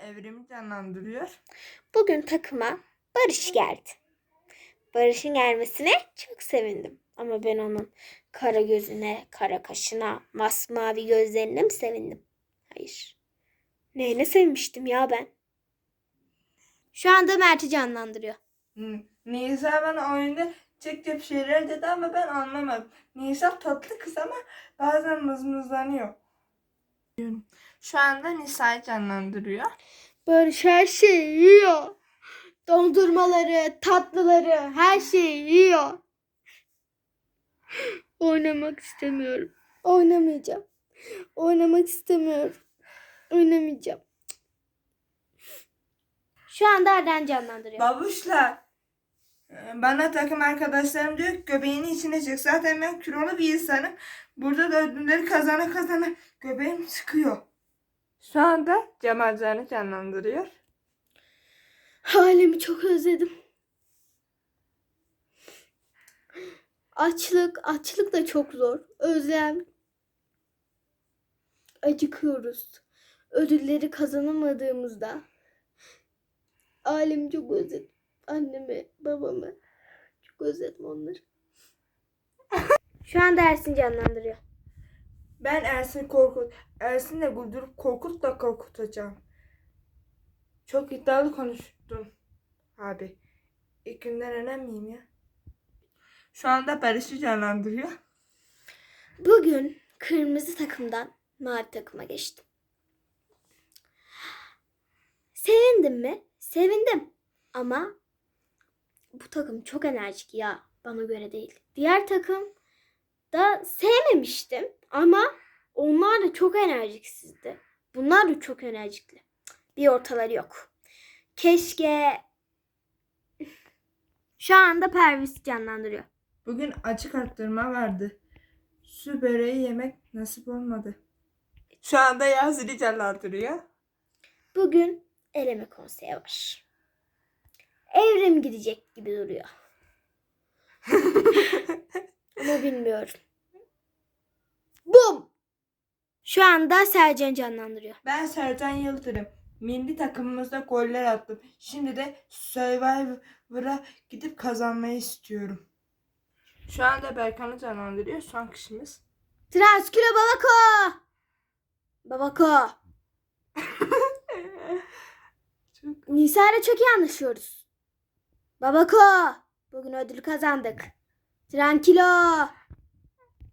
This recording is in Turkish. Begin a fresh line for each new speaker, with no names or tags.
Evrimi canlandırıyor.
Bugün takıma Barış geldi. Barış'ın gelmesine çok sevindim. Ama ben onun kara gözüne, kara kaşına, masmavi gözlerine mi sevindim? Hayır. Neyine sevmiştim ya ben? Şu anda Mert'i canlandırıyor.
Nisa bana oyunda çek şeyler dedi ama ben anlamadım. Nisa tatlı kız ama bazen mızmızlanıyor. Şu anda Nisa'yı canlandırıyor.
Barış her şeyi yiyor. Dondurmaları, tatlıları, her şeyi yiyor. Oynamak istemiyorum. Oynamayacağım. Oynamak istemiyorum. Oynamayacağım. Şu anda Arden canlandırıyor.
Babuşla bana takım arkadaşlarım diyor ki göbeğini içine çek. Zaten ben kilolu bir insanım. Burada da ödülleri kazana göbeğim çıkıyor. Şu anda Cemal Can'ı canlandırıyor.
Halimi çok özledim. Açlık da çok zor. Özlem. Acıkıyoruz. Ödülleri kazanamadığımızda. Ailemi çok özledim. Annemi, babamı. Çok özledim onları. Şu anda Ersin canlandırıyor.
Ben Ersin'le güldürüp korkutacağım. Çok iddialı konuştum abi. İlk günden önemliyim ya. Şu anda Barış'ı canlandırıyor.
Bugün kırmızı takımdan mavi takıma geçtim. Sevindim mi? Sevindim. Ama bu takım çok enerjik ya. Bana göre değil. Diğer takım da sevmemiştim. Ama onlar da çok enerjiksizdi. Bunlar da çok enerjikli. Bir ortaları yok. Keşke... Şu anda Pervis canlandırıyor.
Bugün açık arttırma vardı. Su böreği yemek nasip olmadı. Şu anda Yasin'i canlandırıyor.
Bugün eleme konseyi var. Evrim gidecek gibi duruyor. Ama bilmiyorum. Bum! Şu anda Sercan canlandırıyor.
Ben Sercan Yıldırım. Milli takımımızda goller attım. Şimdi de Survivor'a gidip kazanmayı istiyorum. Şu anda Berkan'ı canlandırıyor. Son kişimiz.
Transkilo Babako! Babako! Nisa ile çok iyi anlaşıyoruz. Babako! Bugün ödül kazandık. Tranquilo!